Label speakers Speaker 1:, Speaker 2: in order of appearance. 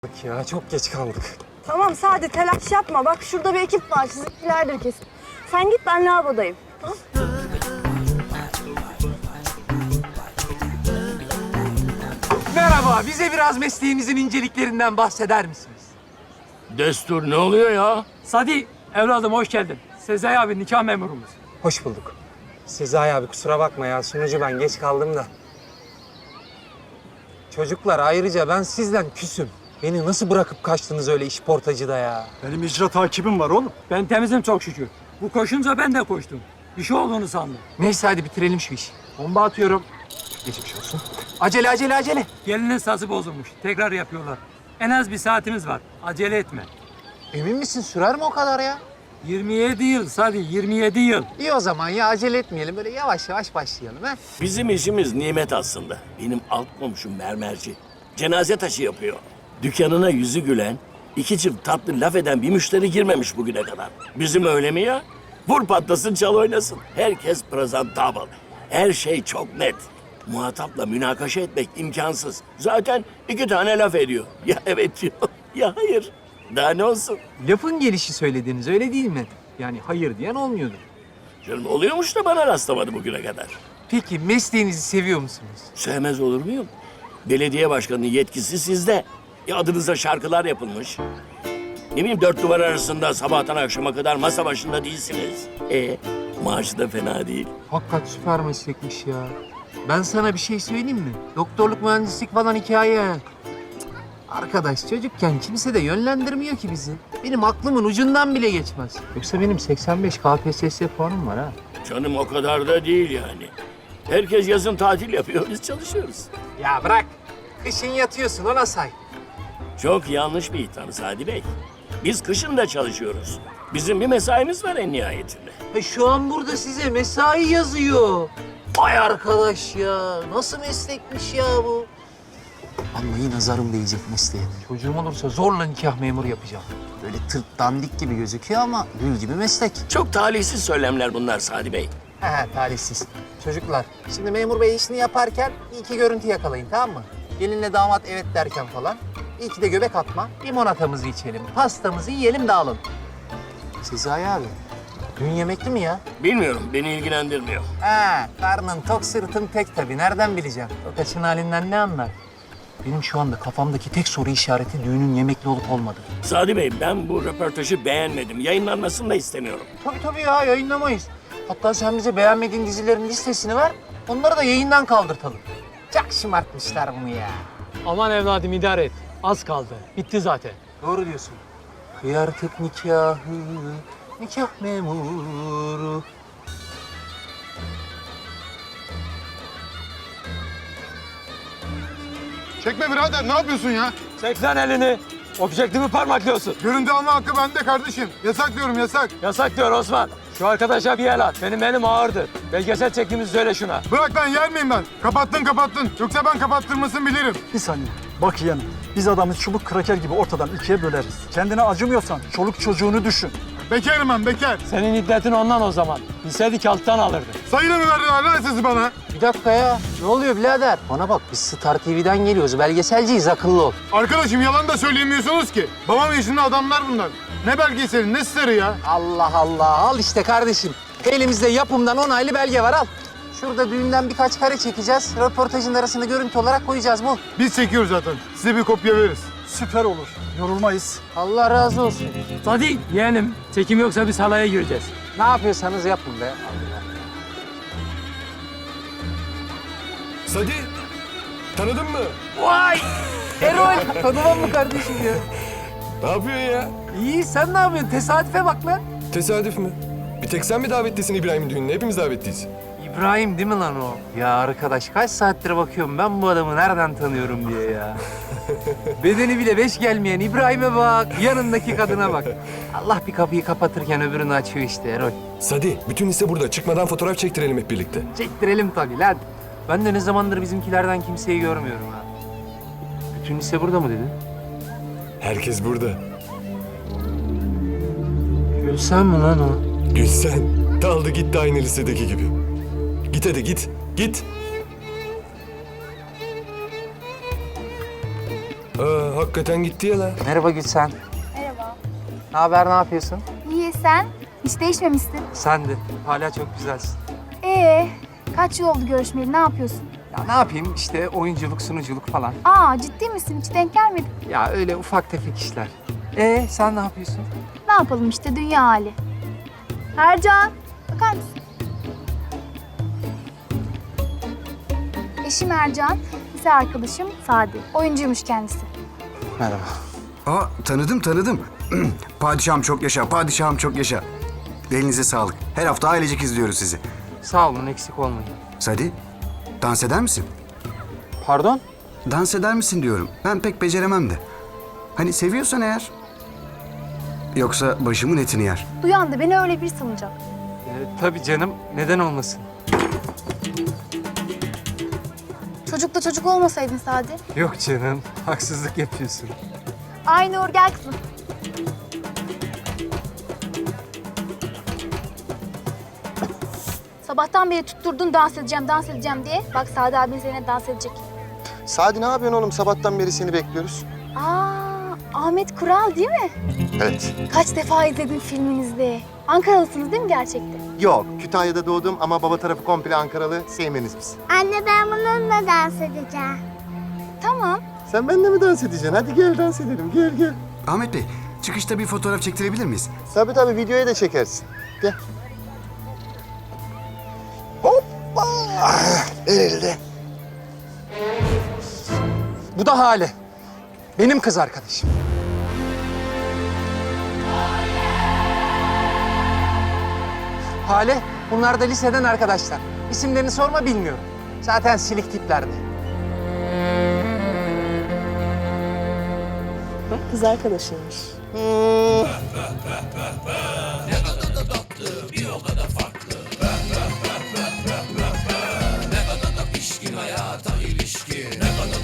Speaker 1: Ya çok geç kaldık.
Speaker 2: Tamam Sadi telaş yapma. Bak şurada bir ekip var. Sizinkilerdir kesin. Sen git ben lavabodayım. Tamam.
Speaker 1: Merhaba, bize biraz mesleğinizin inceliklerinden bahseder misiniz?
Speaker 3: Destur ne oluyor ya?
Speaker 4: Sadi, evladım hoş geldin. Sezai abi nikah memurumuz.
Speaker 1: Hoş bulduk. Sezai abi kusura bakma ya, sunucu ben geç kaldım da. Çocuklar ayrıca ben sizden küsüm. Beni nasıl bırakıp kaçtınız öyle işportacıda ya?
Speaker 5: Benim icra takibim var oğlum.
Speaker 4: Ben temizim çok şükür. Bu koşunca ben de koştum. Bir şey olduğunu sandım.
Speaker 1: Neyse hadi bitirelim şu işi. Bomba atıyorum. Geçmiş olsun. Acele acele acele.
Speaker 4: Gelinin sazı bozulmuş. Tekrar yapıyorlar. En az bir saatimiz var. Acele etme.
Speaker 1: Emin misin sürer mi o kadar ya?
Speaker 4: 27 yıl Sadi, 27 yıl.
Speaker 1: İyi o zaman ya acele etmeyelim. Böyle yavaş yavaş başlayalım ha.
Speaker 3: Bizim işimiz nimet aslında. Benim alt komşum mermerci. Cenaze taşı yapıyor. Dükkanına yüzü gülen, iki çift tatlı laf eden bir müşteri girmemiş bugüne kadar. Bizim öyle mi ya? Vur patlasın, çal oynasın. Herkes presentable. Her şey çok net. Muhatapla münakaşa etmek imkansız. Zaten iki tane laf ediyor. Ya evet diyor, ya hayır. Daha ne olsun?
Speaker 1: Lafın gelişi söylediğiniz öyle değil mi? Yani hayır diyen olmuyordu.
Speaker 3: Canım oluyormuş da bana rastlamadı bugüne kadar.
Speaker 1: Peki mesleğinizi seviyor musunuz?
Speaker 3: Sevmez olur muyum? Belediye başkanının yetkisi sizde. Adınıza şarkılar yapılmış. Ne bileyim, dört duvar arasında sabahtan akşama kadar masa başında değilsiniz. Maaşı da fena değil.
Speaker 1: Hakikaten süper meslekmiş ya. Ben sana bir şey söyleyeyim mi? Doktorluk, mühendislik falan hikaye. Cık. Arkadaş çocukken kimse de yönlendirmiyor ki bizi. Benim aklımın ucundan bile geçmez. Yoksa benim 85 KPSS puanım var ha.
Speaker 3: Canım o kadar da değil yani. Herkes yazın tatil yapıyor, biz çalışıyoruz.
Speaker 1: Ya bırak. Kışın yatıyorsun ona say.
Speaker 3: Çok yanlış bir itham Sadi Bey. Biz kışın da çalışıyoruz. Bizim bir mesaimiz var en nihayetinde.
Speaker 1: Şu an burada size mesai yazıyor. Vay arkadaş ya. Nasıl meslekmiş ya bu? Vallahi nazarım değecek mesleğe. Çocuğum olursa zorla nikah memuru yapacağım. Böyle tırt dandik gibi gözüküyor ama gül gibi meslek.
Speaker 3: Çok talihsiz söylemler bunlar Sadi Bey.
Speaker 1: He talihsiz. Çocuklar, şimdi memur bey işini yaparken iki görüntü yakalayın tamam mı? Gelinle damat evet derken falan. İyi ki de göbek atma. Limonatamızı içelim, pastamızı yiyelim dağılın. Sezai abi, dün yemekli mi ya?
Speaker 3: Bilmiyorum, beni ilgilendirmiyor.
Speaker 1: He, karnın tok sırtın tek tabii. Nereden bileceğim? O kaçın halinden ne anlar? Benim şu anda kafamdaki tek soru işareti düğünün yemekli olup olmadığı.
Speaker 3: Sadi Bey, ben bu röportajı beğenmedim. Yayınlanmasını da istemiyorum.
Speaker 1: Tabii ya, yayınlamayız. Hatta sen bize beğenmediğin dizilerin listesini ver, onları da yayından kaldırtalım. Çok şımartmışlar bunu ya.
Speaker 4: Aman evladım idare et. Az kaldı. Bitti zaten.
Speaker 1: Doğru diyorsun. Kıyartık nikahı, nikah memuru.
Speaker 6: Çekme birader, ne yapıyorsun ya?
Speaker 4: Çek lan elini. Objektifi parmaklıyorsun.
Speaker 6: Görüntü alma hakkı bende kardeşim. Yasak diyorum, yasak.
Speaker 4: Yasak diyor Osman. Şu arkadaşa bir el at. Benim elim ağırdır. Belgesel çektiğimizi söyle şuna.
Speaker 6: Bırak lan, yer miyim ben? Kapattın. Yoksa ben kapattırmasını bilirim.
Speaker 5: Bir saniye. Bak yeğenim, biz adamı çubuk kraker gibi ortadan ikiye böleriz. Kendine acımıyorsan çoluk çocuğunu düşün.
Speaker 6: Bekarım ben, bekar.
Speaker 4: Senin iddetin ondan o zaman. Bilseydik alttan alırdı.
Speaker 6: Sayıyla mı verdiler lan sizi bana?
Speaker 1: Bir dakika ya, ne oluyor birader? Bana bak, biz Star TV'den geliyoruz, belgeselciyiz, akıllı ol.
Speaker 6: Arkadaşım yalan da söyleyemiyorsunuz ki. Babam yaşında adamlar bunlar. Ne belgeseli, ne starı ya?
Speaker 1: Allah Allah, al işte kardeşim. Elimizde yapımdan onaylı belge var, al. Şurada düğünden birkaç kare çekeceğiz. Röportajın arasında görüntü olarak koyacağız bu.
Speaker 6: Biz çekiyoruz zaten. Size bir kopya veririz.
Speaker 5: Süper olur. Yorulmayız.
Speaker 1: Allah razı olsun.
Speaker 4: Sadi yeğenim. Çekim yoksa biz halaya gireceğiz.
Speaker 1: Ne yapıyorsanız yapın be.
Speaker 7: Sadi, tanıdın mı?
Speaker 1: Vay! Erol, tanımam mı kardeşim ya?
Speaker 7: Ne yapıyorsun ya?
Speaker 1: İyi, sen ne yapıyorsun? Tesadüfe bak lan.
Speaker 7: Tesadüf mü? Bir tek sen mi davetlisin İbrahim'in düğününe? Hepimiz davetliyiz.
Speaker 1: İbrahim değil mi lan o? Ya arkadaş kaç saattir bakıyorum ben bu adamı nereden tanıyorum diye ya. Bedeni bile beş gelmeyen İbrahim'e bak, yanındaki kadına bak. Allah bir kapıyı kapatırken öbürünü açıyor işte Erol.
Speaker 7: Sadi, bütün liste burada. Çıkmadan fotoğraf çektirelim hep birlikte.
Speaker 1: Çektirelim tabii lan. Ben de ne zamandır bizimkilerden kimseyi görmüyorum ha. Bütün lise burada mı dedin?
Speaker 7: Herkes burada.
Speaker 1: Gülsen mi lan o?
Speaker 7: Gülsen, daldı gitti aynı lisedeki gibi. Git hadi git, git. hakikaten gitti ya la.
Speaker 1: Merhaba Gülsen.
Speaker 8: Merhaba.
Speaker 1: Ne haber, ne yapıyorsun?
Speaker 8: İyi sen? Hiç değişmemişsin.
Speaker 1: Sen de. Hala çok güzelsin.
Speaker 8: Kaç yıl oldu görüşmeyeli? Ne yapıyorsun?
Speaker 1: Ya ne yapayım işte oyunculuk, sunuculuk falan.
Speaker 8: Aa ciddi misin? Hiç denk gelmedik.
Speaker 1: Ya öyle ufak tefek işler. Sen ne yapıyorsun?
Speaker 8: Ne yapalım işte dünya hali. Ercan, bakar mısın? Eşim Ercan, lise arkadaşım Sadi. Oyuncuymuş kendisi.
Speaker 1: Merhaba.
Speaker 9: Aa tanıdım. Padişahım çok yaşa, padişahım çok yaşa. Elinize sağlık. Her hafta ailecek izliyoruz sizi.
Speaker 1: Sağ olun, eksik olmayın.
Speaker 9: Sadi, dans eder misin?
Speaker 1: Pardon?
Speaker 9: Dans eder misin diyorum. Ben pek beceremem de. Hani seviyorsan eğer. Yoksa başımın etini yer.
Speaker 8: Duyan da beni öyle bir sanacak.
Speaker 1: Tabii canım, neden olmasın?
Speaker 8: Çocukla çocuk olmasaydın Sadi.
Speaker 1: Yok canım, haksızlık yapıyorsun.
Speaker 8: Ay Nur gel kızım. Sabahtan beri tutturdun dans edeceğim diye. Bak Sadi abin seninle dans edecek.
Speaker 10: Sadi ne yapıyorsun oğlum? Sabahtan beri seni bekliyoruz.
Speaker 8: Ahmet Kural değil mi?
Speaker 10: Evet.
Speaker 8: Kaç defa izledim filminizde. Ankaralısınız değil mi gerçekten?
Speaker 10: Yok, Kütahya'da doğdum ama baba tarafı komple Ankaralı. Sevmeniz biz.
Speaker 2: Anne ben bununla dans edeceğim.
Speaker 8: Tamam.
Speaker 10: Sen benimle mi dans edeceksin? Hadi gel dans edelim. Gel.
Speaker 9: Ahmet Bey, çıkışta bir fotoğraf çektirebilir miyiz?
Speaker 10: Tabii videoya da çekersin. Gel. Hoppa! Elde.
Speaker 1: Bu da Hale. Benim kız arkadaşım. Hale, bunlar da liseden arkadaşlar. İsimlerini sorma, bilmiyorum. Zaten silik tiplerdi.
Speaker 2: Kız arkadaşıymış.